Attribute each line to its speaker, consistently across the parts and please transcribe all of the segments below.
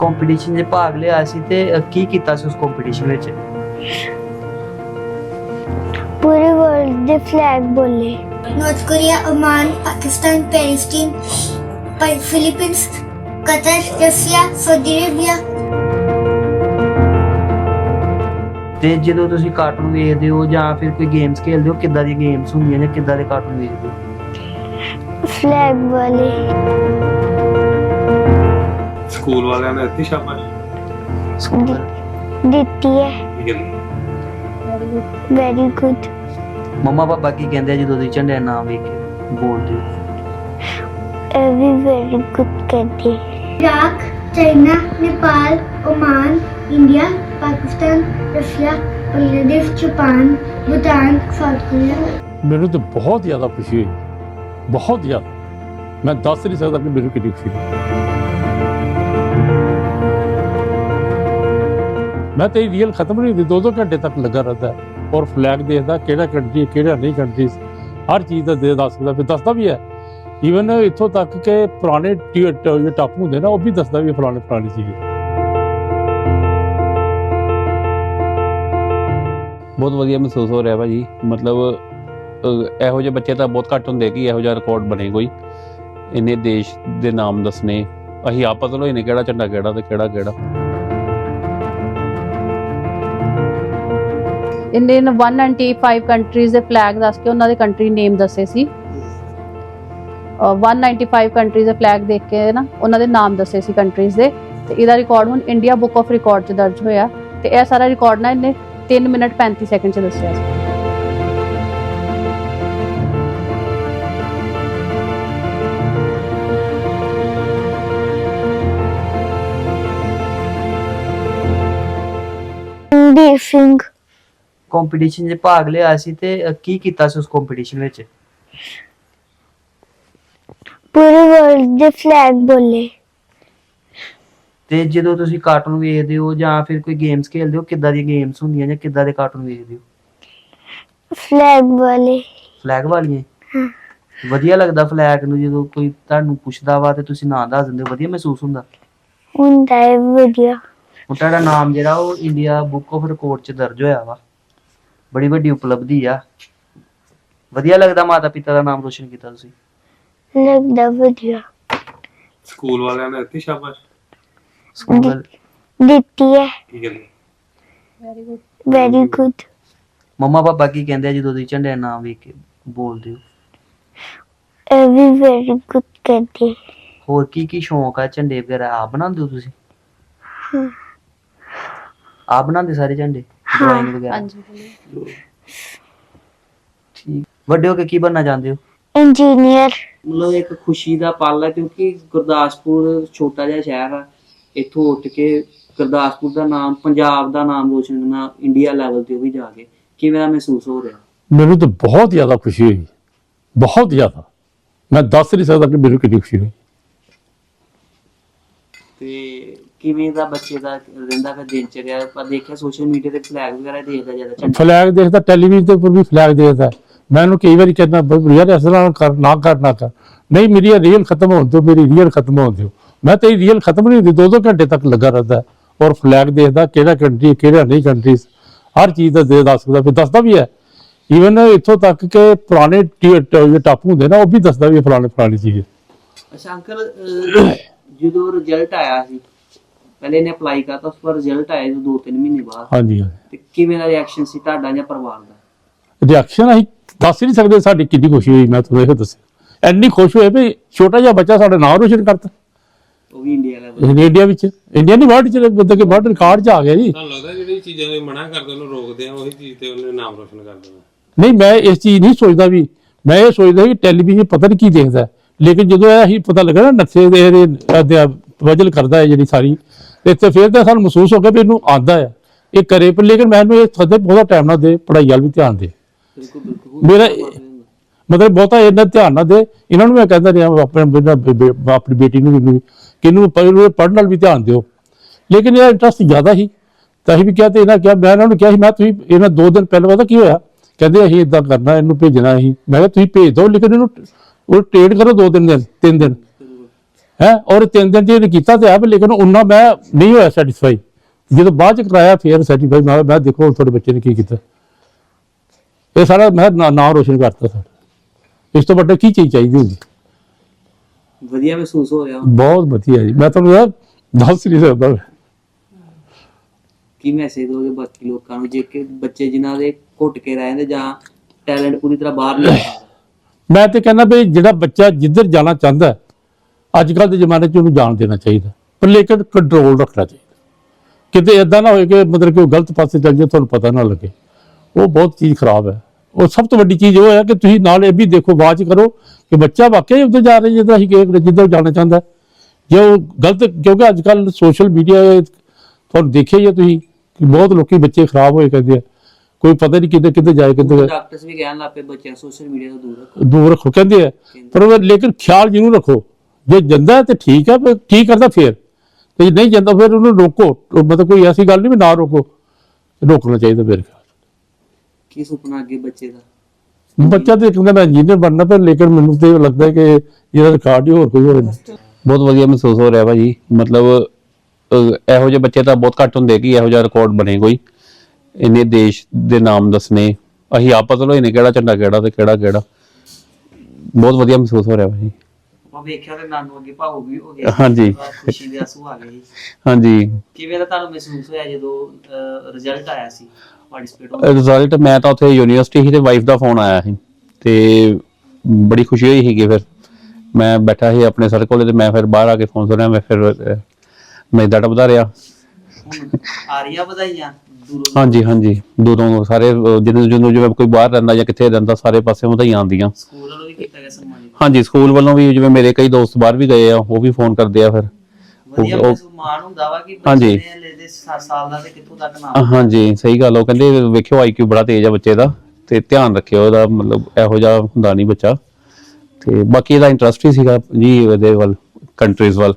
Speaker 1: Competition 'ਚ ਭਾਗ ਲਿਆ ਸੀ ਤੇ ਕੀ ਕੀਤਾ ਸੀ ਉਸ ਕੰਪੀਟੀਸ਼ਨ ਵਿੱਚ?
Speaker 2: पूरे वर्ल्ड दे फ्लैग बोले।
Speaker 3: North Korea, Oman, Pakistan, Palestine, Philippines, Qatar, Russia, Saudi Arabia.
Speaker 1: ਤੇ ਜਦੋਂ ਤੁਸੀਂ ਕਾਰਟੂਨ ਵੇਖਦੇ ਹੋ ਜਾਂ ਫਿਰ ਕੋਈ ਗੇਮਸ ਖੇਡਦੇ ਹੋ, ਕਿੱਦਾਂ ਦੀ ਗੇਮਸ ਹੁੰਦੀਆਂ ਜਾਂ ਕਿੱਦਾਂ ਦੇ ਕਾਰਟੂਨ ਵੇਖਦੇ ਹੋ?
Speaker 2: फ्लैग वाले।
Speaker 4: ਸਕੂਲ ਵਾਲਿਆਂ ਨੇ ਦਿੱਤੀ ਸ਼ਾਬਾਸ਼?
Speaker 1: ਸਕੂਲ
Speaker 2: ਦਿੱਤੀ ਹੈ।
Speaker 4: ਠੀਕ ਹੈ।
Speaker 2: Very good.
Speaker 1: ਮੰਮਾ ਪਾਪਾ ਕੀ ਕਹਿੰਦੇ ਆ ਜਦੋਂ ਤੁਸੀਂ ਝੰਡੇ ਦਾ ਨਾਮ ਵੇਖ ਕੇ ਬੋਲਦੇ ਹੋ?
Speaker 2: ਇਹ ਵੀ ਵੈਰੀ ਗੁੱਡ ਕਹਿੰਦੇ।
Speaker 3: Iraq, China, Nepal, Oman, India, Pakistan, Russia, Bangladesh, Japan, Bhutan, South Korea.
Speaker 5: ਮੈਨੂੰ ਤਾਂ ਬਹੁਤ ਜ਼ਿਆਦਾ ਖੁਸ਼ੀ ਹੋਈ, ਬਹੁਤ ਜ਼ਿਆਦਾ। ਮੈਂ ਦੱਸ ਨਹੀਂ ਸਕਦਾ ਕਿ ਮੈਨੂੰ ਕਿੰਨੀ ਖੁਸ਼ੀ ਹੋਈ। ਮੈਂ ਤੇ ਰੀਅਲ ਖਤਮ ਨਹੀਂ ਹੁੰਦੀ, 2-2 ਘੰਟੇ ਤੱਕ ਲੱਗਾ ਰਹਿੰਦਾ ਔਰ ਫਲੈਗ ਦੇਖਦਾ ਕਿਹੜਾ ਕੰਟਰੀ ਕਿਹੜਾ ਨਹੀਂ ਕੰਟਰੀ, ਹਰ ਚੀਜ਼ ਦਾ ਦੱਸਦਾ, ਫਿਰ ਦੱਸਦਾ ਵੀ ਹੈ। ਈਵਨ ਇੱਥੋਂ ਤੱਕ ਕਿ ਪੁਰਾਣੇ ਟਾਪੂ ਹੁੰਦੇ ਨਾ, ਉਹ ਵੀ ਦੱਸਦਾ ਵੀ ਫਲਾਣੇ ਚੀਜ਼।
Speaker 6: ਬਹੁਤ ਵਧੀਆ ਮਹਿਸੂਸ ਹੋ ਰਿਹਾ ਭਾਜੀ। ਮਤਲਬ ਇਹੋ ਜਿਹੇ ਬੱਚੇ ਤਾਂ ਬਹੁਤ ਘੱਟ ਹੁੰਦੇ ਕਿ ਇਹੋ ਜਿਹਾ ਰਿਕਾਰਡ ਬਣੇ ਕੋਈ, ਇੰਨੇ ਦੇਸ਼ ਦੇ ਨਾਮ ਦੱਸਣੇ। ਅਸੀਂ ਆਪ ਪਤਾ ਲੋਈ ਨੇ ਕਿਹੜਾ ਝੰਡਾ ਕਿਹੜਾ ਤੇ ਕਿਹੜਾ।
Speaker 7: ਇਹਨੇ 195 ਕੰਟਰੀਜ਼ ਦੇ ਫਲੈਗ ਦੱਸ ਕੇ ਉਹਨਾਂ ਦੇ ਕੰਟਰੀ ਨੇਮ ਦੱਸੇ ਸੀ। 195 ਕੰਟਰੀਜ਼ ਦੇ ਫਲੈਗ ਦੇਖ ਕੇ ਨਾ ਉਹਨਾਂ ਦੇ ਨਾਮ ਦੱਸੇ ਸੀ ਕੰਟਰੀਜ਼ ਦੇ। ਤੇ ਇਹਦਾ ਰਿਕਾਰਡ ਹੁਣ ਇੰਡੀਆ ਬੁੱਕ ਆਫ ਰਿਕਾਰਡ 'ਚ ਦਰਜ ਹੋਇਆ ਤੇ ਇਹ ਸਾਰਾ ਰਿਕਾਰਡ ਨਾ ਇਹਨੇ 3 ਮਿੰਟ 35 ਸੈਕਿੰਡ 'ਚ ਦੱਸਿਆ ਸੀ।
Speaker 2: ਰਣਬੀਰ ਸਿੰਘ।
Speaker 1: ਕੰਪੀਟੀਸ਼ਨ 'ਚ ਭਾਗ ਲਿਆ ਸੀ ਤੇ ਕੀ ਕੀਤਾ ਸੀ ਉਸ ਕੰਪੀਟੀਸ਼ਨ ਵਿੱਚ?
Speaker 2: ਪੂਰੇ ਵਰਲਡ ਦੇ ਫਲੈਗ ਬੋਲੇ।
Speaker 1: ਤੇ ਜਦੋਂ ਤੁਸੀਂ ਕਾਰਟੂਨ ਵੇਖਦੇ ਹੋ ਜਾਂ ਫਿਰ ਕੋਈ ਗੇਮਸ ਖੇਡਦੇ ਹੋ, ਕਿੱਦਾਂ ਦੀ ਗੇਮਸ ਹੁੰਦੀਆਂ ਜਾਂ ਕਿੱਦਾਂ ਦੇ ਕਾਰਟੂਨ ਵੇਖਦੇ ਹੋ?
Speaker 2: ਫਲੈਗ ਵਾਲੇ।
Speaker 1: ਫਲੈਗ ਵਾਲੀਆਂ? ਵਧੀਆ ਲੱਗਦਾ ਫਲੈਗ ਨੂੰ ਜਦੋਂ ਕੋਈ ਤੁਹਾਨੂੰ ਪੁੱਛਦਾ ਵਾ ਤੇ ਤੁਸੀਂ ਨਾਂ ਦੱਸ ਦਿੰਦੇ ਹੋ, ਵਧੀਆ ਮਹਿਸੂਸ ਹੁੰਦਾ?
Speaker 2: ਹੁੰਦਾ ਹੈ ਵਧੀਆ।
Speaker 1: ਹੁਣ ਤੁਹਾਡਾ ਨਾਮ ਜਿਹੜਾ ਉਹ ਇੰਡੀਆ ਬੁੱਕ ਆਫ ਰਿਕਾਰਡ 'ਚ ਦਰਜ ਹੋਇਆ ਵਾ, ਬੜੀ ਵੱਡੀ ਉਪਲਬਧੀ ਆ। ਵਧੀਆ ਲੱਗਦਾ ਮਾਤਾ ਪਿਤਾ ਦਾ ਨਾਮ ਰੋਸ਼ਨ ਕੀਤਾ ਤੁਸੀਂ?
Speaker 2: ਲੱਗਦਾ ਵਧੀਆ।
Speaker 4: ਸਕੂਲ ਵਾਲਿਆਂ ਨੇ ਦਿੱਤੀ ਸ਼ਾਬਾਸ਼?
Speaker 1: ਸਕੂਲ
Speaker 2: ਦਿੱਤੀ ਹੈ।
Speaker 4: ਠੀਕ ਹੈ।
Speaker 7: Very good.
Speaker 2: Very good.
Speaker 1: Mumma papa ਕੀ ਕਹਿੰਦੇ ਆ ਜਦੋਂ ਤੁਸੀਂ ਝੰਡੇ ਦਾ ਨਾਮ ਵੇਖ ਕੇ ਬੋਲਦੇ ਹੋ?
Speaker 2: ਇਹ ਵੀ ਵੈਰੀ ਗੁੱਡ ਕਹਿੰਦੇ।
Speaker 1: ਹੋਰ ਕੀ ਸ਼ੌਂਕ ਆ? ਝੰਡੇ ਵਗੈਰਾ ਆਪ ਬਣਾਉਂਦੇ ਹੋ ਤੁਸੀਂ? ਆਪ ਬਣਾਉਂਦੇ ਸਾਰੇ ਝੰਡੇ, ਡਰਾਇੰਗ ਵਗੈਰਾ?
Speaker 7: ਹਾਂਜੀ।
Speaker 1: ਠੀਕ। ਵੱਡੇ ਹੋ ਕੇ ਕੀ ਬਣਨਾ ਚਾਹੁੰਦੇ ਹੋ?
Speaker 2: ਇੰਜੀਨੀਅਰ।
Speaker 1: ਮਤਲਬ ਇੱਕ ਖੁਸ਼ੀ ਦਾ ਪਲ ਹੈ ਕਿਉਂਕਿ ਗੁਰਦਾਸਪੁਰ ਛੋਟਾ ਜਿਹਾ ਸ਼ਹਿਰ ਆ, ਇੱਥੋਂ ਉੱਠ ਕੇ ਗੁਰਦਾਸਪੁਰ ਦਾ ਨਾਮ, ਪੰਜਾਬ ਦਾ ਨਾਮ ਰੋਸ਼ਨ ਕਰਨਾ ਇੰਡੀਆ ਲੈਵਲ ਤੇ ਉਹ ਵੀ ਜਾ ਕੇ, ਕਿਵੇਂ ਦਾ ਮਹਿਸੂਸ ਹੋ ਰਿਹਾ?
Speaker 5: ਮੈਨੂੰ ਤਾਂ ਬਹੁਤ ਜ਼ਿਆਦਾ ਖੁਸ਼ੀ ਹੋਈ, ਬਹੁਤ ਜ਼ਿਆਦਾ। ਮੈਂ ਦੱਸ ਨਹੀਂ ਸਕਦਾ ਕਿ ਮੈਨੂੰ ਕਿੰਨੀ ਖੁਸ਼ੀ ਹੋਈ।
Speaker 1: ਤੇ ਕਿਵੇਂ ਦਾ ਬੱਚੇ ਦਾ ਰਹਿੰਦਾ ਫਿਰ ਦਿਨ ਚ ਰਿਹਾ? ਪਰ ਦੇਖਿਆ ਸੋਸ਼ਲ ਮੀਡੀਆ ਤੇ ਫਲੈਗ ਵਗੈਰਾ ਦੇਖਦਾ ਜ਼ਿਆਦਾ ਝੰਡਾ।
Speaker 5: ਫਲੈਗ ਦੇਖਦਾ, ਟੈਲੀਵਿਜ਼ਨ ਦੇ ਉੱਪਰ ਵੀ ਫਲੈਗ ਦੇਖਦਾ। ਮੈਂ ਉਹਨੂੰ ਕਈ ਵਾਰੀ ਕਹਿੰਦਾ ਯਾਰ ਇਸ ਤਰ੍ਹਾਂ ਕਰ ਨਾ ਕਰ। ਨਹੀਂ, ਮੇਰੀ ਰੀਅਲ ਖਤਮ ਹੋਣ ਦਿਓ, ਮੇਰੀ ਰੀਅਲ ਖਤਮ ਹੋਣ ਦਿਓ। ਮੈਂ ਤੇ ਰੀਅਲ ਖਤਮ ਨਹੀਂ ਹੁੰਦੀ, 2-2 ਘੰਟੇ ਤੱਕ ਲੱਗਾ ਰਹਿੰਦਾ ਔਰ ਫਲੈਗ ਦੇਖਦਾ ਕਿਹੜਾ ਕੰਟਰੀ ਕਿਹੜਾ ਨਹੀਂ ਕੰਟਰੀ, ਹਰ ਚੀਜ਼ ਦਾ ਦੱਸਦਾ, ਫਿਰ ਦੱਸਦਾ ਵੀ ਹੈ। ਈਵਨ ਇੱਥੋਂ ਤੱਕ ਕਿ ਪੁਰਾਣੇ ਟਾਪੂ ਹੁੰਦੇ ਨਾ, ਉਹ ਵੀ ਦੱਸਦਾ ਵੀ ਫਲਾਣੀ ਚੀਜ਼।
Speaker 1: ਅੱਛਾ ਅੰਕਲ, ਜਦੋਂ ਰਿਜ਼ਲਟ ਆਇਆ ਸੀ, ਪਹਿਲੇ ਇਹਨੇ ਅਪਲਾਈ ਕਰਤਾ, ਉਸ ਪਰ ਰਿਜ਼ਲਟ ਆਇਆ 2-3 ਮਹੀਨੇ ਬਾਅਦ,
Speaker 5: ਹਾਂਜੀ।
Speaker 1: ਤੇ ਕਿਵੇਂ ਦਾ ਰਿਐਕਸ਼ਨ ਸੀ ਤੁਹਾਡਾ ਜਾਂ ਪਰਿਵਾਰ ਦਾ?
Speaker 5: ਰਿਐਕਸ਼ਨ ਅਸੀਂ ਦੱਸ ਹੀ ਨਹੀਂ ਸਕਦੇ ਸਾਡੀ ਕਿੰਨੀ ਖੁਸ਼ੀ ਹੋਈ। ਮੈਂ ਤੁਹਾਨੂੰ ਇਹ ਦੱਸਿਆ, ਇੰਨੀ ਖੁਸ਼ ਹੋਏ ਵੀ ਛੋਟਾ ਜਿਹਾ ਬੱਚਾ ਸਾਡਾ ਨਾਮ ਰੋਸ਼ਨ ਕਰਤਾ,
Speaker 1: ਉਹ ਵੀ ਇੰਡੀਆ ਲੈਵਲ।
Speaker 5: ਇੰਡੀਆ ਵਿੱਚ, ਇੰਡੀਆ ਨਹੀਂ ਵਰਲਡ ਚ, ਮਤਲਬ ਕਿ ਵਰਲਡ ਰਿਕਾਰਡ 'ਚ ਆ ਗਿਆ ਜੀ।
Speaker 4: ਤੁਹਾਨੂੰ ਲੱਗਦਾ ਜਿਹੜੀ ਚੀਜ਼ਾਂ ਨੂੰ ਮਨਾ ਕਰਦੇ ਉਹਨੂੰ ਰੋਕਦੇ ਆ, ਉਹੀ ਚੀਜ਼ ਤੇ ਉਹਨੇ ਨਾਮ ਰੋਸ਼ਨ ਕਰ ਦੇਣਾ?
Speaker 5: ਨਹੀਂ, ਮੈਂ ਇਸ ਚੀਜ਼ ਨਹੀਂ ਸੋਚਦਾ ਵੀ, ਮੈਂ ਇਹ ਸੋਚਦਾ ਕਿ ਟੈਲੀਵਿਜ਼ਨ ਪਤਾ ਨਹੀਂ ਕੀ ਦੇਖਦਾ, ਲੇਕਿਨ ਜਦੋਂ ਇਹ ਪਤਾ ਲੱਗਾ ਨਾ ਨਕਸ਼ੇ ਦੇ ਵਜਲ ਕਰਦਾ ਹੈ ਜਿਹੜੀ ਸਾਰੀ, ਤੇ ਫਿਰ ਤਾਂ ਸਾਨੂੰ ਮਹਿਸੂਸ ਹੋ ਗਿਆ ਵੀ ਇਹਨੂੰ ਆਉਂਦਾ ਹੈ, ਇਹ ਕਰੇ। ਪਰ ਲੇਕਿਨ ਮੈਨੂੰ ਇਹ ਸਦੇ ਬਹੁਤਾ ਟਾਈਮ ਨਾ ਦੇ, ਪੜ੍ਹਾਈ ਵੱਲ ਵੀ ਧਿਆਨ ਦੇ। ਮੇਰਾ ਮਤਲਬ ਬਹੁਤਾ ਇਹਨਾਂ ਧਿਆਨ ਨਾ ਦੇ। ਇਹਨਾਂ ਨੂੰ ਮੈਂ ਕਹਿੰਦਾ ਰਿਹਾ ਆਪਣੀ ਬੇਟੀ ਨੂੰ ਵੀ ਕਿ ਇਹਨੂੰ ਪੜ੍ਹਨ ਨਾਲ ਵੀ ਧਿਆਨ ਦਿਓ, ਲੇਕਿਨ ਇਹਦਾ ਇੰਟਰਸਟ ਜ਼ਿਆਦਾ ਸੀ ਤਾਂ ਅਸੀਂ ਵੀ ਕਿਹਾ। ਤੇ ਇਹਨਾਂ ਕਿਹਾ, ਮੈਂ ਇਹਨਾਂ ਨੂੰ ਕਿਹਾ ਸੀ, ਮੈਂ ਤੁਸੀਂ ਇਹਨਾਂ 2 ਦਿਨ ਪਹਿਲਾਂ ਪਤਾ ਕੀ ਹੋਇਆ, ਕਹਿੰਦੇ ਅਸੀਂ ਇੱਦਾਂ ਕਰਨਾ, ਇਹਨੂੰ ਭੇਜਣਾ ਅਸੀਂ। ਮੈਂ ਕਿਹਾ ਤੁਸੀਂ ਭੇਜ ਦਿਓ, ਲੇਕਿਨ ਇਹਨੂੰ ਉਹ ਟ੍ਰੇਡ ਕਰੋ 2-3 ਦਿਨ 3 ਦਿਨ, ਹੈ। ਔਰ 3 ਦਿਨ ਜੇ ਕੀਤਾ ਤੇ ਆ ਲੇਕਿਨ ਉਹਨਾਂ ਮੈਂ ਨਹੀਂ ਹੋਇਆ ਸੈਟੀਸਫਾਈ। ਜਦੋਂ ਬਾਅਦ ਚ ਕਰਾਇਆ ਫਿਰ ਸੈਟੀਸਫਾਈ ਮੈਂ ਦੇਖੋ ਤੁਹਾਡੇ ਬੱਚੇ ਨੇ ਕੀ ਕੀਤਾ। ਇਹ ਸਾਰਾ ਮੈਂ ਨਾਮ ਰੋਸ਼ਨ ਕਰਤਾ ਸਾਡਾ। ਇਸ ਤੋਂ ਵੱਡਾ ਕੀ ਚੀਜ਼ ਚਾਹੀਦੀ ਹੁੰਦੀ।
Speaker 1: ਵਧੀਆ ਮਹਿਸੂਸ ਹੋ ਰਿਹਾ
Speaker 5: ਬਹੁਤ ਵਧੀਆ ਜੀ। ਮੈਂ ਤੁਹਾਨੂੰ ਯਾਰ ਦੱਸ ਨਹੀਂ ਸਕਦਾ।
Speaker 1: ਕੀ ਮੈਸੇਜ ਦੋਗੇ ਬਾਕੀ ਲੋਕਾਂ ਨੂੰ ਜੇ ਕਿ ਬੱਚੇ ਜਿਨ੍ਹਾਂ ਦੇ ਘੁੱਟ ਕੇ ਰਹਿ ਜਾਂਦੇ ਜਾਂ ਟੈਲੈਂਟ ਪੂਰੀ ਤਰ੍ਹਾਂ ਬਾਹਰ ਨਹੀਂ ਆਉਂਦਾ?
Speaker 5: ਮੈਂ ਤੇ ਕਹਿੰਦਾ ਵੀ ਜਿਹੜਾ ਬੱਚਾ ਜਿੱਧਰ ਜਾਣਾ ਚਾਹੁੰਦਾ ਅੱਜ ਕੱਲ੍ਹ ਦੇ ਜ਼ਮਾਨੇ 'ਚ ਉਹਨੂੰ ਜਾਣ ਦੇਣਾ ਚਾਹੀਦਾ, ਪਰ ਲੇਕਿਨ ਕੰਟਰੋਲ ਰੱਖਣਾ ਚਾਹੀਦਾ। ਕਿਤੇ ਇਦਾਂ ਨਾ ਹੋਏ ਕਿ ਮਤਲਬ ਕਿ ਉਹ ਗਲਤ ਪਾਸੇ ਚੱਲ ਜਾਏ ਤੁਹਾਨੂੰ ਪਤਾ ਨਾ ਲੱਗੇ। ਉਹ ਬਹੁਤ ਚੀਜ਼ ਖਰਾਬ ਹੈ। ਉਹ ਸਭ ਤੋਂ ਵੱਡੀ ਚੀਜ਼ ਉਹ ਹੈ ਕਿ ਤੁਸੀਂ ਨਾਲ ਇਹ ਵੀ ਦੇਖੋ ਬਾਅਦ 'ਚ ਕਰੋ ਕਿ ਬੱਚਾ ਵਾਕਿਆ ਉੱਧਰ ਜਾ ਰਿਹਾ ਜਿੱਦਾਂ ਅਸੀਂ ਜਿੱਧਰ ਜਾਣਾ ਚਾਹੁੰਦਾ। ਜੇ ਉਹ ਗਲਤ, ਕਿਉਂਕਿ ਅੱਜ ਕੱਲ੍ਹ ਸੋਸ਼ਲ ਮੀਡੀਆ ਤੁਹਾਨੂੰ ਦੇਖਿਆ ਹੀ ਹੈ ਤੁਸੀਂ ਕਿ ਬਹੁਤ ਲੋਕੀ ਬੱਚੇ ਖਰਾਬ ਹੋਏ ਕਹਿੰਦੇ ਆ, ਕੋਈ ਪਤਾ ਨਹੀਂ ਕਿੱਧਰ ਜਾਏ ਕਿੱਧਰ।
Speaker 1: ਡਾਕਟਰਸ ਵੀ ਕਹਿਣ ਲੱਗ ਪਏ ਬੱਚਿਆਂ ਸੋਸ਼ਲ ਮੀਡੀਆ ਤੋਂ
Speaker 5: ਦੂਰ ਰੱਖੋ ਕਹਿੰਦੇ ਆ, ਪਰ ਉਹ ਲੇਕਿਨ ਖਿਆਲ ਜ਼ਰੂਰ ਰੱਖੋ। ਜੇ ਜਾਂਦਾ ਤੇ ਠੀਕ ਹੈ, ਪਰ ਠੀਕ ਕਰਦਾ ਫਿਰ, ਤੇ ਜੇ ਨਹੀਂ ਜਾਂਦਾ ਫਿਰ ਉਹਨੂੰ ਰੋਕੋ। ਮਤਲਬ ਕੋਈ ਐਸੀ ਗੱਲ ਨਹੀਂ ਵੀ ਨਾ ਰੋਕੋ, ਰੋਕਣਾ ਚਾਹੀਦਾ ਮੇਰੇ ਖਿਆਲ।
Speaker 1: ਕੀ ਸੁਪਨਾ ਅੱਗੇ ਬੱਚੇ ਦਾ?
Speaker 5: ਬੱਚਾ ਤੇ ਕਹਿੰਦਾ ਮੈਂ ਇੰਜੀਨੀਅਰ ਬਣਨਾ, ਪਰ ਲੇਕਿਨ ਮੈਨੂੰ ਤੇ ਲੱਗਦਾ ਕਿ ਇਹਦਾ ਰਿਕਾਰਡ ਹੀ ਹੋਰ ਕੋਈ ਹੋਵੇ।
Speaker 6: ਬਹੁਤ ਵਧੀਆ ਮਹਿਸੂਸ ਹੋ ਰਿਹਾ ਭਾਜੀ। ਮਤਲਬ ਇਹੋ ਜਿਹੇ ਬੱਚੇ ਤਾਂ ਬਹੁਤ ਘੱਟ ਹੁੰਦੇ ਕਿ ਇਹੋ ਜਿਹਾ ਰਿਕਾਰਡ ਬਣੇ ਕੋਈ। ਇੰਨੇ ਦੇਸ਼ ਦੇ ਨਾਮ ਦੱਸਣੇ, ਅਸੀਂ ਆਪ ਪਤਾ ਨਹੀਂ ਕਿਹੜਾ ਝੰਡਾ ਕਿਹੜਾ ਤੇ ਕਿਹੜਾ। ਬਹੁਤ ਵਧੀਆ ਮਹਿਸੂਸ ਹੋ ਰਿਹਾ ਭਾਜੀ।
Speaker 1: ਉਹ ਵੇਖਿਆ ਤੇ ਨਾਨੂ ਅੱਗੇ ਭਾਵੁਕ ਵੀ ਹੋ ਗਿਆ।
Speaker 6: ਹਾਂਜੀ।
Speaker 1: ਖੁਸ਼ੀ ਦੇ ਆਂਸੂ ਆ ਗਏ।
Speaker 6: ਹਾਂਜੀ।
Speaker 1: ਕਿਵੇਂ ਦਾ ਤੁਹਾਨੂੰ ਮਹਿਸੂਸ ਹੋਇਆ ਜਦੋਂ ਰਿਜ਼ਲਟ ਆਇਆ ਸੀ ਪਾਰਟਿਸਿਪੇਟ?
Speaker 6: ਰਿਜ਼ਲਟ ਮੈਂ ਤਾਂ ਉੱਥੇ ਯੂਨੀਵਰਸਿਟੀ ਸੀ ਤੇ ਵਾਈਫ ਦਾ ਫੋਨ ਆਇਆ ਸੀ ਤੇ ਬੜੀ ਖੁਸ਼ੀ ਹੋਈ ਸੀਗੀ। ਫਿਰ ਮੈਂ ਬੈਠਾ ਸੀ ਆਪਣੇ ਸਰ ਕੋਲੇ ਤੇ ਮੈਂ ਫਿਰ ਬਾਹਰ ਆ ਕੇ ਫੋਨ ਸੁਣਿਆ। ਮੈਂ ਫਿਰ ਮੈਂ ਡਟਦਾ ਰਿਹਾ।
Speaker 1: ਆ ਰਹੀਆਂ ਵਧਾਈਆਂ ਦੂਰੋਂ?
Speaker 6: ਹਾਂਜੀ ਦੂਰੋਂ ਸਾਰੇ ਜਦੋਂ ਜਿਵੇਂ ਕੋਈ ਬਾਹਰ ਰਹਿੰਦਾ ਜਾਂ ਕਿੱਥੇ ਰਹਿੰਦਾ ਸਾਰੇ ਪਾਸੇ ਵਧਾਈਆਂ ਆਉਂਦੀਆਂ।
Speaker 1: ਸਕੂਲ ਵੱਲੋਂ ਵੀ ਕੀਤਾ ਗਿਆ ਸਨਮਾਨਿਤ?
Speaker 6: ਹਾਂਜੀ ਸਕੂਲ ਵੱਲੋਂ ਵੀ, ਜਿਵੇਂ ਮੇਰੇ ਕਈ ਦੋਸਤ ਬਾਹਰ ਵੀ ਗਏ ਆ ਉਹ ਵੀ ਫੋਨ ਕਰਦੇ ਆ। ਫਿਰ
Speaker 1: ਵਧੀਆ ਮਾਣ ਹੁੰਦਾ ਵਾ ਕਿ
Speaker 6: ਹਾਂਜੀ।
Speaker 1: ਬੱਚੇ ਨੇ ਲੈਦੇ 7 ਸਾਲ ਦਾ ਤੇ ਕਿੱਥੋਂ ਤੱਕ ਨਾਮ।
Speaker 6: ਹਾਂਜੀ ਸਹੀ ਗੱਲ। ਉਹ ਕਹਿੰਦੇ ਵੇਖਿਓ IQ ਬੜਾ ਤੇਜ਼ ਆ ਬੱਚੇ ਦਾ ਤੇ ਧਿਆਨ ਰੱਖਿਓ ਇਹਦਾ, ਮਤਲਬ ਇਹੋ ਜਿਹਾ ਹੁੰਦਾ ਨਹੀਂ ਬੱਚਾ। ਤੇ ਬਾਕੀ ਇਹਦਾ ਇੰਟਰਸਟ ਹੀ ਸੀਗਾ ਜੀ ਇਹਦੇ ਵੱਲ, ਕੰਟਰੀਜ਼ ਵੱਲ।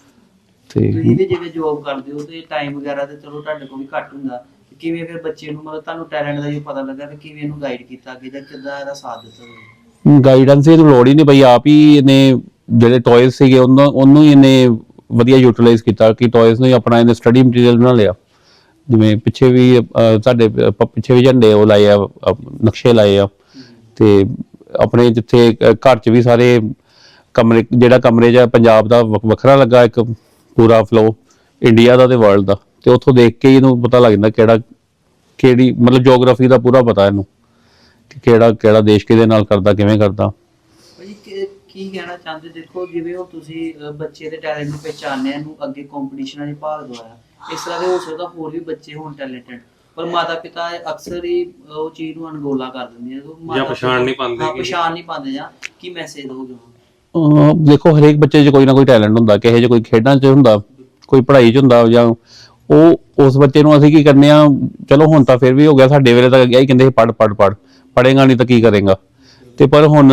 Speaker 6: ਤੇ
Speaker 1: ਤੁਸੀਂ ਵੀ ਜਿਵੇਂ ਜੋਬ ਕਰਦੇ ਹੋ ਤੇ ਟਾਈਮ ਵਗੈਰਾ ਤੇ ਚਲੋ ਤੁਹਾਡੇ ਕੋਲ ਵੀ ਘੱਟ ਹੁੰਦਾ, ਕਿਵੇਂ ਫਿਰ ਬੱਚੇ ਨੂੰ ਮਤਲਬ ਤੁਹਾਨੂੰ ਟੈਲੈਂਟ ਦਾ ਜੋ ਪਤਾ ਲੱਗਾ ਤੇ ਕਿਵੇਂ ਇਹਨੂੰ ਗਾਈਡ ਕੀਤਾ ਅੱਗੇ ਜਾਂ ਕਿੱਦਾਂ ਇਹਦਾ ਸਾਥ ਦਿੱਤਾ ਤੁਸੀਂ?
Speaker 6: ਗਾਈਡੈਂਸ ਦੀ ਲੋੜ ਹੀ ਨਹੀਂ ਪਈ। ਆਪ ਹੀ ਇਹਨੇ ਜਿਹੜੇ ਟੌਇਜ਼ ਸੀਗੇ ਉਹਨੂੰ ਹੀ ਇਹਨੇ ਵਧੀਆ ਯੂਟਿਲਾਈਜ਼ ਕੀਤਾ ਕਿ ਟੌਇਜ਼ ਨੂੰ ਹੀ ਆਪਣਾ ਇਹਨੇ ਸਟੱਡੀ ਮਟੀਰੀਅਲ ਬਣਾ ਲਿਆ। ਜਿਵੇਂ ਪਿੱਛੇ ਵੀ ਸਾਡੇ ਪਿੱਛੇ ਵੀ ਝੰਡੇ ਉਹ ਲਾਏ ਆ, ਨਕਸ਼ੇ ਲਾਏ ਆ। ਤੇ ਆਪਣੇ ਜਿੱਥੇ ਘਰ 'ਚ ਵੀ ਸਾਰੇ ਕਮਰੇ, ਜਿਹੜਾ ਕਮਰੇ 'ਚ ਪੰਜਾਬ ਦਾ ਵੱਖਰਾ ਲੱਗਾ ਇੱਕ ਪੂਰਾ ਫਲੋ ਇੰਡੀਆ ਦਾ ਤੇ ਵਰਲਡ ਦਾ। ਤੇ ਉੱਥੋਂ ਦੇਖ ਕੇ ਇਹਨੂੰ ਪਤਾ ਲੱਗ ਜਾਂਦਾ ਕਿਹੜੀ ਮਤਲਬ ਜੀਓਗ੍ਰਾਫੀ ਦਾ ਪੂਰਾ ਪਤਾ ਇਹਨੂੰ ਕਿ ਕਿਹੜਾ ਦੇਸ਼ ਕਿਹਦੇ ਨਾਲ ਕਰਦਾ, ਕਿਵੇਂ ਕਰਦਾ।
Speaker 1: ਭਾਜੀ ਕੀ ਕਹਿਣਾ ਚਾਹੁੰਦੇ? ਦੇਖੋ ਜਿਵੇਂ ਹੁਣ ਤੁਸੀਂ ਬੱਚੇ ਦੇ ਟੈਲੈਂਟ ਨੂੰ ਪਹਿਚਾਨਿਆ, ਇਹਨੂੰ ਅੱਗੇ ਕੰਪੀਟੀਸ਼ਨਾਂ 'ਚ ਭਾਗ ਦਵਾਇਆ, ਇਸ ਤਰ੍ਹਾਂ ਦੇ ਹੋ ਸਕਦਾ ਹੋਰ ਵੀ ਬੱਚੇ ਹੋਣ ਟੈਲੈਂਟਡ, ਪਰ ਮਾਤਾ ਪਿਤਾ ਅਕਸਰ ਹੀ ਉਹ ਚੀਜ਼ ਨੂੰ ਅਣਗੌਲਾ ਕਰ ਦਿੰਦੇ ਆ
Speaker 4: ਜਾਂ ਪਛਾਣ ਨਹੀਂ
Speaker 1: ਪਾਉਂਦੇ ਜਾਂ ਕੀ ਮੈਸੇਜ ਦੋਗੇ?
Speaker 6: ਦੇਖੋ ਹਰੇਕ ਬੱਚੇ 'ਚ ਕੋਈ ਨਾ ਕੋਈ ਟੈਲੈਂਟ ਹੁੰਦਾ, ਕਿਸੇ 'ਚ ਕੋਈ ਖੇਡਾਂ 'ਚ ਹੁੰਦਾ, ਕੋਈ ਪੜ੍ਹਾਈ 'ਚ ਹੁੰਦਾ, ਜਾਂ ਉਹ ਉਸ ਬੱਚੇ ਨੂੰ ਅਸੀਂ ਕੀ ਕਰਨੇ ਆ। ਚਲੋ ਹੁਣ ਤਾਂ ਫਿਰ ਵੀ ਹੋ ਗਿਆ, ਸਾਡੇ ਵੇਲੇ ਤਾਂ ਇਹੀ ਕਹਿੰਦੇ ਸੀ ਪੜ੍ਹ ਪੜ੍ਹੇਗਾ ਨਹੀਂ ਤਾਂ ਕੀ ਕਰੇਗਾ। ਤੇ ਪਰ ਹੁਣ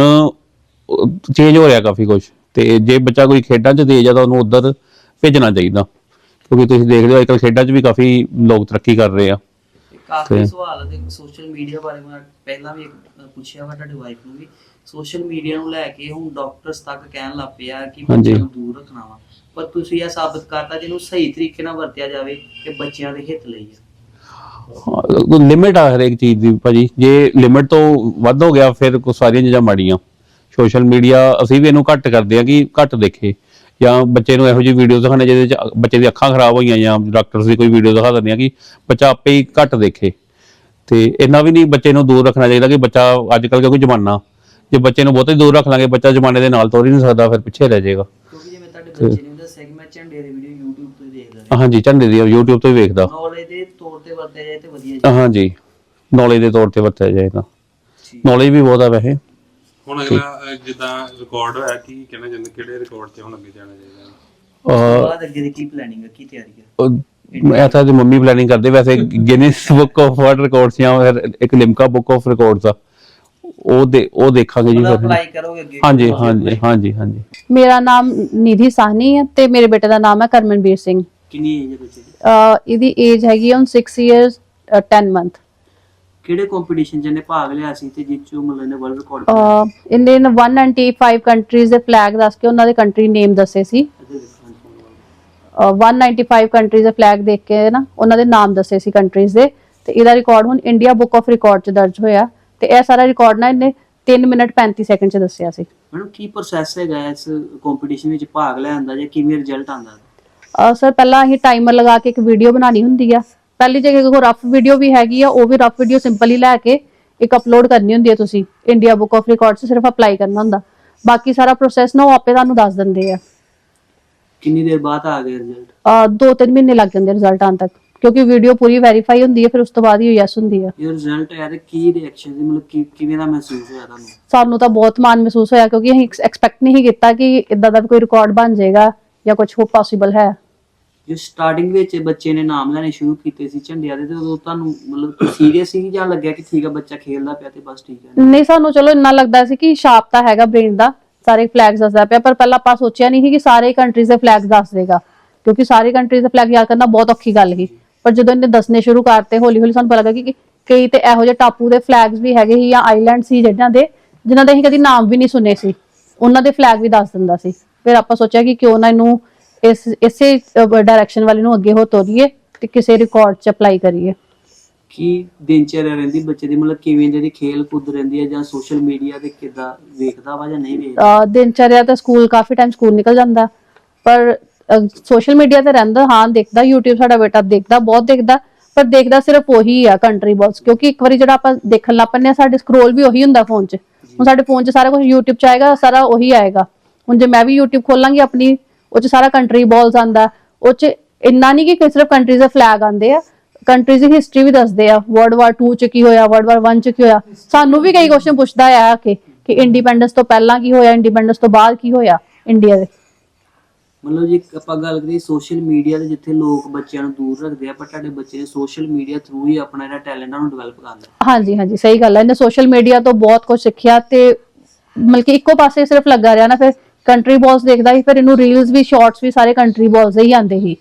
Speaker 6: ਚੇਂਜ ਹੋ ਰਿਹਾ ਕਾਫੀ ਕੁਝ। ਤੇ ਜੇ ਬੱਚਾ ਕੋਈ ਖੇਡਾਂ 'ਚ ਤੇਜ਼ ਆ ਤਾਂ ਉਹਨੂੰ ਉੱਧਰ ਭੇਜਣਾ ਚਾਹੀਦਾ, ਕਿਉਂਕਿ ਤੁਸੀਂ ਦੇਖਦੇ ਹੋ ਅੱਜਕੱਲ੍ਹ ਖੇਡਾਂ 'ਚ ਵੀ ਕਾਫੀ ਲੋਕ ਤਰੱਕੀ ਕਰ ਰਹੇ ਆ।
Speaker 1: ਕਾਫੀ ਸਵਾਲ ਦੇ ਸੋਸ਼ਲ ਮੀਡੀਆ ਬਾਰੇ ਮੈਂ ਪਹਿਲਾਂ ਵੀ ਪੁੱਛਿਆ ਵਾ ਤੁਹਾਡੀ ਵਾਈਫ ਨੂੰ ਵੀ। ਸੋਸ਼ਲ ਮੀਡੀਆ ਨੂੰ ਲੈ ਕੇ ਹੁਣ ਡਾਕਟਰਸ ਤੱਕ ਕਹਿਣ ਲੱਗ ਪਏ ਆ ਕਿ ਬੱਚਿਆਂ ਨੂੰ ਦੂਰ ਰੱਖਣਾ ਵਾ, ਪਰ ਤੁਸੀਂ ਇਹ ਸਾਬਤ ਕਰਤਾ ਜਿਹਨੂੰ ਸਹੀ ਤਰੀਕੇ ਨਾਲ ਵਰਤਿਆ ਜਾਵੇ ਕਿ ਬੱਚਿਆਂ ਦੇ ਹਿੱਤ ਲਈ ਆ।
Speaker 6: ਲਿਮਿਟ ਆ ਹਰੇਕ ਚੀਜ਼ ਦੀ ਭਾਜੀ। ਜੇ ਲਿਮਿਟ ਤੋਂ ਵੱਧ ਹੋ ਗਿਆ ਫਿਰ ਸਾਰੀਆਂ ਚੀਜ਼ਾਂ ਮਾੜੀਆਂ। ਸੋਸ਼ਲ ਮੀਡੀਆ ਅਸੀਂ ਵੀ ਇਹਨੂੰ ਘੱਟ ਕਰਦੇ ਆ ਕਿ ਘੱਟ ਦੇਖੇ, ਜਾਂ ਬੱਚੇ ਨੂੰ ਇਹੋ ਜਿਹੀ ਵੀਡੀਓ ਦਿਖਾਣੇ ਜਿਹਦੇ 'ਚ ਬੱਚੇ ਦੀਆਂ ਅੱਖਾਂ ਖਰਾਬ ਹੋਈਆਂ, ਜਾਂ ਡਾਕਟਰਸ ਦੀ ਕੋਈ ਵੀਡੀਓ ਦਿਖਾ ਦਿੰਦੇ ਆ ਕਿ ਬੱਚਾ ਆਪੇ ਹੀ ਘੱਟ ਦੇਖੇ। ਤੇ ਇੰਨਾ ਵੀ ਨਹੀਂ ਬੱਚੇ ਨੂੰ ਦੂਰ ਰੱਖਣਾ ਚਾਹੀਦਾ ਕਿ ਬੱਚਾ ਅੱਜਕੱਲ੍ਹ ਕਿਉਂਕਿ ਜ਼ਮਾਨਾ, ਜੇ ਬੱਚੇ ਨੂੰ ਬਹੁਤੇ ਦੂਰ ਰੱਖ ਲਾਂਗੇ ਬੱਚਾ ਜ਼ਮਾਨੇ ਦੇ ਨਾਲ ਤੁਰ ਹੀ ਨਹੀਂ ਸਕਦਾ, ਫਿਰ ਪਿੱਛੇ ਰਹਿ ਜਾਏਗਾ।
Speaker 1: ਕਿਉਂਕਿ ਜਿਵੇਂ ਤੁਹਾਡੇ ਬੱਚੇ ਨੇ ਦੱਸਿਆ ਕਿ ਮੈਂ ਝੰਡੇ ਦੀ ਵੀਡੀਓ YouTube ਤੋਂ ਹੀ ਦੇਖਦਾ।
Speaker 6: ਹਾਂਜੀ ਝੰਡੇ ਦੀ YouTube ਤੋਂ ਹੀ ਵੇਖਦਾ।
Speaker 1: ਨੌਲੇਜ ਦੇ ਤੌਰ ਤੇ ਵਰਤਿਆ ਜਾਏ ਤੇ ਵਧੀਆ।
Speaker 6: ਹਾਂਜੀ ਨੌਲੇਜ ਦੇ ਤੌਰ ਤੇ ਵਰਤਿਆ ਜਾਏ ਤਾਂ ਨੌਲੇਜ ਵੀ ਬਹੁਤ ਆ ਵੈਸੇ।
Speaker 4: ਹੁਣ ਅਗਲਾ ਜਿੱਦਾਂ ਰਿਕਾਰਡ ਹੋਇਆ ਕੀ ਕਹਿਣਾ ਚਾਹੁੰਦੇ, ਕਿਹੜੇ ਰਿਕਾਰਡ ਤੇ ਹੁਣ ਅੱਗੇ ਜਾਣਾ ਚਾਹੀਦਾ?
Speaker 1: ਬਾਅਦ ਅੱਗੇ ਦੀ ਕੀ ਪਲੈਨਿੰਗ ਹੈ, ਕੀ ਤਿਆਰੀ ਹੈ?
Speaker 6: ਮੈਂ ਤਾਂ ਮੰਮੀ ਪਲੈਨਿੰਗ ਕਰਦੇ ਵੈਸੇ Guinness book of world records ਜਾਂ ਫਿਰ ਇੱਕ ਲਿਮਕਾ ਬੁੱਕ ਆਫ ਰਿਕਾਰਡਸ ਆ, ਉਹ ਦੇਖਾਂਗੇ ਜੀ।
Speaker 1: ਅਪਲਾਈ ਕਰੋਗੇ ਅੱਗੇ?
Speaker 6: ਹਾਂਜੀ।
Speaker 7: ਮੇਰਾ ਨਾਮ ਨਿਧੀ ਸਾਹਨੀ ਹੈ ਤੇ ਮੇਰੇ ਬੇਟੇ ਦਾ ਨਾਮ ਹੈ ਕਰਮਨਵੀਰ ਸਿੰਘ।
Speaker 1: ਕਿੰਨੀ ਏਜ ਹੈ ਬੱਚੇ ਦੀ?
Speaker 7: ਇਹਦੀ ਏਜ ਹੈਗੀ ਹੁਣ 6 years 10 month।
Speaker 1: ਕਿਹੜੇ ਕੰਪੀਟੀਸ਼ਨ 'ਚ ਇਹਨੇ ਭਾਗ ਲਿਆ ਸੀ ਤੇ ਜਿਸ 'ਚੋਂ ਮਤਲਬ ਇਹਨੇ ਵਰਲਡ ਰਿਕਾਰਡ?
Speaker 7: ਇਹਨੇ 195 ਕੰਟਰੀਜ਼ ਦੇ ਫਲੈਗ ਦੱਸ ਕੇ ਉਹਨਾਂ ਦੇ ਕੰਟਰੀ ਨੇਮ ਦੱਸੇ ਸੀ 195 ਕੰਟਰੀਜ਼ ਦੇ ਫਲੈਗ ਦੇਖ ਕੇ ਨਾ ਉਹਨਾਂ ਦੇ ਨਾਮ ਦੱਸੇ ਸੀ ਕੰਟਰੀਜ਼ ਦੇ, ਤੇ ਇਹਦਾ ਰਿਕਾਰਡ ਹੁਣ ਇੰਡੀਆ ਬੁੱਕ ਆਫ ਰਿਕਾਰਡ 'ਚ ਦਰਜ ਹੋਇਆ, ਤੇ ਇਹ ਸਾਰਾ ਰਿਕਾਰਡ ਨਾ ਇਹਨੇ 3 ਮਿੰਟ 35 ਸੈਕਿੰਡ 'ਚ ਦੱਸਿਆ ਸੀ।
Speaker 1: ਮੈਡਮ ਕੀ ਪ੍ਰੋਸੈਸ ਹੈਗਾ ਇਸ ਕੰਪੀਟੀਸ਼ਨ ਵਿੱਚ ਭਾਗ ਲੈਣ ਦਾ, ਜਾਂ ਕਿਵੇਂ ਰਿਜ਼ਲਟ ਆਉਂਦਾ?
Speaker 7: ਸਰ ਪਹਿਲਾਂ ਅਸੀਂ ਟਾਈਮਰ ਲਗਾ ਕੇ ਇੱਕ ਵੀਡੀਓ ਬਣਾਉਣੀ ਹੁੰਦੀ ਆ। ਪਹਿਲੀ ਜਗ੍ਹਾ ਕੋਈ ਰਫ ਵੀਡੀਓ ਵੀ ਹੈਗੀ ਆ, ਉਹ ਵੀ ਰਫ ਵੀਡੀਓ ਸਿੰਪਲ ਹੀ ਲੈ ਕੇ ਇੱਕ ਅਪਲੋਡ ਕਰਨੀ ਹੁੰਦੀ ਹੈ। ਤੁਸੀਂ ਇੰਡੀਆ ਬੁੱਕ ਆਫ ਰਿਕਾਰਡ 'ਚ ਸਿਰਫ ਅਪਲਾਈ ਕਰਨਾ ਹੁੰਦਾ, ਬਾਕੀ ਸਾਰਾ ਪ੍ਰੋਸੈਸ ਨਾ ਉਹ ਆਪੇ ਤੁਹਾਨੂੰ ਦੱਸ ਦਿੰਦੇ ਆ।
Speaker 1: ਕਿੰਨੀ ਦੇਰ ਬਾਅਦ ਆ ਗਿਆ ਰਿਜ਼ਲਟ?
Speaker 7: 2-3 ਮਹੀਨੇ ਲੱਗ ਜਾਂਦੇ ਰਿਜ਼ਲਟ ਆਉਣ ਤੱਕ, ਕਿਉਂਕਿ ਵੀਡੀਓ ਪੂਰੀ ਵੈਰੀਫਾਈ ਹੁੰਦੀ ਹੈ, ਫਿਰ ਉਸ ਤੋਂ ਬਾਅਦ ਹੀ ਯੈਸ ਹੁੰਦੀ ਆ।
Speaker 1: ਇਹ ਰਿਜ਼ਲਟ ਆਇਆ ਤੇ ਕੀ ਰਿਐਕਸ਼ਨ ਸੀ, ਮਤਲਬ ਕਿਵੇਂ ਦਾ ਮਹਿਸੂਸ ਹੋਇਆ ਤੁਹਾਨੂੰ?
Speaker 7: ਸਾਨੂੰ ਤਾਂ ਬਹੁਤ ਮਾਣ ਮਹਿਸੂਸ ਹੋਇਆ, ਕਿਉਂਕਿ ਅਸੀਂ ਐਕਸਪੈਕਟ ਨਹੀਂ ਕੀਤਾ ਕਿ ਇਦਾਂ ਦਾ ਕੋਈ ਰਿਕਾਰਡ ਬਣ ਜਾਏਗਾ ਜਾਂ ਕੁਝ ਹੋ ਪੋਸੀਬਲ ਹੈ।
Speaker 1: ਜੋ ਸਟਾਰਟਿੰਗ ਵਿੱਚ ਬੱਚੇ ਨੇ ਨਾਮ ਲੈਣੇ ਸ਼ੁਰੂ ਕੀਤੇ ਸੀ ਝੰਡਿਆਂ ਦੇ, ਤੇ ਉਦੋਂ ਤੁਹਾਨੂੰ ਮਤਲਬ ਸੀਰੀਅਸ ਸੀ ਜਾਂ ਲੱਗਿਆ ਕਿ ਠੀਕ ਹੈ ਬੱਚਾ ਖੇਲਦਾ ਪਿਆ ਤੇ ਬਸ ਠੀਕ ਹੈ?
Speaker 7: ਨਹੀਂ, ਸਾਨੂੰ ਚਲੋ ਇੰਨਾ ਲੱਗਦਾ ਸੀ ਕਿ ਸ਼ਾਰਪ ਤਾਂ ਹੈਗਾ ਬ੍ਰੇਨ ਦਾ, ਸਾਰੇ ਫਲੈਗਸ ਦੱਸਦਾ ਪਿਆ, ਪਰ ਪਹਿਲਾਂ ਆਪਾਂ ਸੋਚਿਆ ਨਹੀਂ ਸੀ ਕਿ ਸਾਰੇ ਕੰਟਰੀਜ਼ ਦੇ ਫਲੈਗਸ ਦੱਸ ਦੇਗਾ, ਕਿਉਂਕਿ ਸਾਰੇ ਕੰਟਰੀਜ਼ ਦੇ ਫਲੈਗ ਯਾਦ ਕਰਨਾ ਬਹੁਤ ਔਖੀ ਗੱਲ ਸੀ। ਪਰ ਜਦੋਂ ਇਹਨੇ ਦੱਸਣੇ ਸ਼ੁਰੂ ਕਰਤੇ ਹੌਲੀ ਹੌਲੀ ਸਾਨੂੰ ਪਤਾ ਲੱਗਾ ਕਿ ਕਈ ਤੇ ਇਹੋ ਜਿਹੇ ਟਾਪੂ ਦੇ ਫਲੈਗਸ ਵੀ ਹੈਗੇ ਸੀ ਜਾਂ ਆਈਲੈਂਡ ਸੀ ਜਿਨ੍ਹਾਂ ਦੇ ਅਸੀਂ ਕਦੀ ਨਾਮ ਵੀ ਨਹੀਂ ਸੁਣੇ ਸੀ, ਉਹਨਾਂ ਦੇ ਫਲੈਗ ਵੀ ਦੱਸ ਦਿੰਦਾ ਸੀ। ਫਿਰ ਆਪਾਂ ਸੋਚਿਆ ਕਿ ਕਿਉਂ ਨਾ ਇਹਨੂੰ ਇਸੇ ਡਾਇਰੈਕਸ਼ਨ ਵਾਲੇ ਨੂੰ ਅੱਗੇ ਹੋ ਤੋਰੀਏ ਤੇ ਕਿਸੇ ਰਿਕਾਰਡ 'ਚ ਅਪਲਾਈ ਕਰੀਏ।
Speaker 1: ਕੀ ਦਿਨਚਰਿਆ ਰਹਿੰਦੀ ਬੱਚੇ ਦੀ, ਮਤਲਬ ਕਿਵੇਂ ਜਿਹੜੀ ਖੇਲ ਕੁੱਦ ਰਹਿੰਦੀ ਹੈ, ਜਾਂ ਸੋਸ਼ਲ ਮੀਡੀਆ ਤੇ ਕਿੱਦਾਂ ਵੇਖਦਾ ਵਾ ਜਾਂ ਨਹੀਂ ਵੇਖਦਾ?
Speaker 7: ਦਿਨਚਰਿਆ ਤਾਂ ਸਕੂਲ ਕਾਫੀ ਟਾਈਮ ਸਕੂਲ ਨਿਕਲ ਜਾਂਦਾ, ਪਰ ਸੋਸ਼ਲ ਮੀਡੀਆ ਤੇ ਰਹਿੰਦਾ, ਹਾਂ ਦੇਖਦਾ, YouTube ਸਾਡਾ ਬੇਟਾ ਦੇਖਦਾ, ਬਹੁਤ ਦੇਖਦਾ, ਪਰ ਦੇਖਦਾ ਸਿਰਫ ਉਹੀ ਆ ਕੰਟਰੀ ਬॉल्स, ਕਿਉਂਕਿ ਇੱਕ ਵਾਰੀ ਜਿਹੜਾ ਆਪਾਂ ਦੇਖਣ ਲੱਗ ਪੈਂਦੇ ਆ ਸਾਡੇ ਸਕਰੋਲ ਵੀ ਉਹੀ ਹੁੰਦਾ ਫੋਨ 'ਚ। ਹੁਣ ਸਾਡੇ ਫੋਨ 'ਚ ਸਾਰਾ ਕੁਝ YouTube 'ਚ ਆਏਗਾ, ਸਾਰਾ ਉਹੀ ਆਏਗਾ। ਹੁਣ ਜੇ ਮੈਂ ਵੀ YouTube ਖੋਲਾਂਗੀ ਆਪਣੀ, ਉਹ 'ਚ ਸਾਰਾ ਕੰਟਰੀ ਬॉल्स ਆਂਦਾ, ਉਹ 'ਚ ਇੰਨਾ ਨਹੀਂ ਕਿ ਸਿਰਫ ਕੰਟਰੀਜ਼ ਦੇ ਫਲੈਗ ਆਂਦੇ ਆ, ਕੰਟਰੀਜ਼ ਦੀ ਹਿਸਟਰੀ ਵੀ ਦੱਸਦੇ ਆ, World War II 'ਚ ਕੀ ਹੋਇਆ, World War I 'ਚ ਕੀ ਹੋਇਆ। ਸਾਨੂੰ ਵੀ ਕਈ ਕੁਐਸਚਨ ਪੁੱਛਦਾ ਆ ਕਿ ਇੰਡੀਪੈਂਡੈਂਸ ਤੋਂ ਪਹਿਲਾਂ ਕੀ ਹੋਇਆ, ਇੰਡੀਪੈਂਡੈਂਸ ਤੋਂ ਬਾਅਦ ਕੀ ਹੋਇਆ ਇੰਡੀਆ ਦੇ।
Speaker 1: ਮਤਲਬ ਜੇ ਆਪਾਂ ਗੱਲ ਕਰੀਏ ਸੋਸ਼ਲ ਮੀਡੀਆ ਤੇ, ਜਿੱਥੇ ਲੋਕ ਬੱਚਿਆਂ ਨੂੰ ਦੂਰ ਰੱਖਦੇ ਆ, ਪਰ ਤੁਹਾਡੇ ਬੱਚੇ ਨੇ ਸੋਸ਼ਲ ਮੀਡੀਆ ਥਰੂ ਹੀ ਆਪਣਾ ਜਿਹੜਾ ਟੈਲੈਂਟ ਨੂੰ ਡਿਵੈਲਪ ਕਰ ਲਿਆ।
Speaker 7: ਹਾਂਜੀ ਹਾਂਜੀ, ਸਹੀ ਗੱਲ ਹੈ। ਇਹਨੇ ਸੋਸ਼ਲ ਮੀਡੀਆ ਤੋਂ ਬਹੁਤ ਕੁਝ ਸਿੱਖਿਆ, ਤੇ ਮਤਲਬ ਕਿ ਇੱਕੋ ਪਾਸੇ ਸਿਰਫ ਲੱਗਾ ਰਿਹਾ ਨਾ, ਫਿਰ ਕੰਟਰੀ ਬॉल्स ਦੇਖਦਾ ਸੀ, ਫਿਰ ਇਹਨੂੰ ਰੀਲਸ ਵੀ ਸ਼ਾਰਟਸ ਵੀ ਸਾਰੇ ਕੰਟਰੀ ਬॉल्स ਦੇ ਹੀ ਆਉਂਦੇ ਸੀ।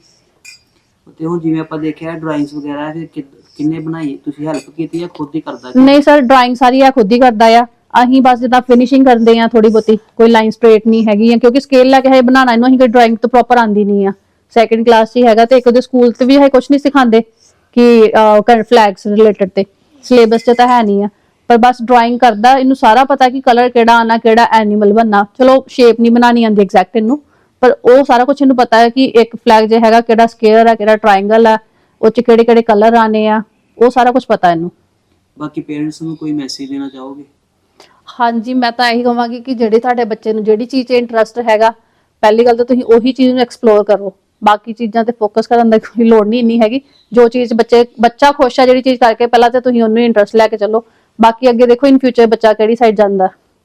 Speaker 1: ਤੇ ਹੁਣ ਜਿਵੇਂ ਆਪਾਂ ਦੇਖਿਆ ਡਰਾਇੰਗਸ ਵਗੈਰਾ ਫਿਰ ਕਿੰਨੇ ਬਣਾਈ, ਤੁਸੀਂ ਹੈਲਪ ਕੀਤੀ ਜਾਂ ਖੁਦ ਹੀ ਕਰਦਾ?
Speaker 7: ਨਹੀਂ ਸਰ, ਡਰਾਇੰਗ ਸਾਰੀ ਆ ਖੁਦ ਹੀ ਕਰਦਾ ਆ। ਅਸੀਂ ਬਸ ਜਿੱਦਾਂ ਫਿਨਿਸ਼ਿੰਗ ਕਰਦੇ ਆ ਥੋੜੀ ਬਹੁਤੀ, ਕੋਈ ਲਾਈਨ ਸਟ੍ਰੇਟ ਨਹੀਂ ਹੈਗੀ ਆ, ਕਿਉਂਕਿ ਸਕੇਲ ਲੈ ਕੇ ਹੈ ਬਣਾਉਣਾ ਇਹਨੂੰ, ਅਸੀਂ ਕੋਈ ਡਰਾਇੰਗ ਤੋਂ ਪ੍ਰੋਪਰ ਆਂਦੀ ਨਹੀਂ ਆ। ਸੈਕੰਡ ਕਲਾਸ 'ਚ ਹੀ ਹੈਗਾ, ਤੇ ਇੱਕ ਉਹਦੇ ਸਕੂਲ ਤੇ ਵੀ ਹੈ ਕੁਝ ਨਹੀਂ ਸਿਖਾਉਂਦੇ ਕਿ ਫਲੈਗਸ ਰਿਲੇਟਡ, ਤੇ ਸਿਲੇਬਸ 'ਚ ਤਾਂ ਹੈ ਨਹੀਂ ਆ, ਪਰ ਬਸ ਡਰਾਇੰਗ ਕਰਦਾ। ਇਹਨੂੰ ਸਾਰਾ ਪਤਾ ਕਿ ਕਲਰ ਕਿਹੜਾ ਆਣਾ, ਕਿਹੜਾ ਐਨੀਮਲ ਬਣਨਾ। ਚਲੋ ਸ਼ੇਪ ਨਹੀਂ ਬਣਾਉਣੀ ਆਉਂਦੀ ਐਗਜ਼ੈਕਟ ਇਹਨੂੰ, ਪਰ ਉਹ ਸਾਰਾ ਕੁਝ ਇਹਨੂੰ ਪਤਾ ਹੈ ਕਿ ਇੱਕ ਫਲੈਗ ਜੇ ਹੈਗਾ ਕਿਹੜਾ ਸਕੁਅਰ ਆ, ਕਿਹੜਾ ਟ੍ਰਾਇੰਗਲ ਆ, ਉਹ 'ਚ ਕਿਹੜੇ ਕਿਹੜੇ ਕਲਰ ਆਣੇ ਆ, ਉਹ ਸਾਰਾ ਕੁਝ ਪਤਾ ਇਹਨੂੰ।
Speaker 1: ਬਾਕੀ ਪੇਰੈਂਟਸ ਨੂੰ ਕੋਈ ਮੈਸੇਜ ਦੇਣਾ ਚਾਹੋਗੇ?
Speaker 7: ਹਾਂਜੀ, ਮੈਂ ਤਾਂ ਇਹੀ ਕਹਾਂਗੀ ਕਿ ਜਿਹੜੇ ਤੁਹਾਡੇ ਬੱਚੇ ਨੂੰ ਜਿਹੜੀ ਚੀਜ਼ 'ਚ ਇੰਟਰਸਟ ਹੈਗਾ, ਪਹਿਲੀ ਗੱਲ ਤਾਂ ਤੁਸੀਂ ਉਹੀ ਚੀਜ਼ ਨੂੰ ਐਕਸਪਲੋਰ ਕਰੋ। ਬਾਕੀ ਚੀਜ਼ਾਂ ਤੇ ਫੋਕਸ ਕਰਨ ਦੀ ਕੋਈ ਲੋੜ ਨਹੀਂ ਇੰਨੀ ਹੈਗੀ। ਜੋ ਚੀਜ਼ ਬੱਚਾ ਖੁਸ਼ ਆ ਜਿਹੜੀ ਚੀਜ਼ ਕਰਕੇ, ਪਹਿਲਾਂ ਤਾਂ ਤੁਸੀਂ ਉਹਨੂੰ ਇੰਟਰਸਟ ਲੈ ਕੇ ਚੱਲੋ, ਬਾਕੀ ਅੱਗੇ ਦੇਖੋ ਇਨ ਫਿਊਚਰ ਬੱਚਾ ਕਿਹੜੀ ਸਾਈਡ ਜਾਂਦਾ।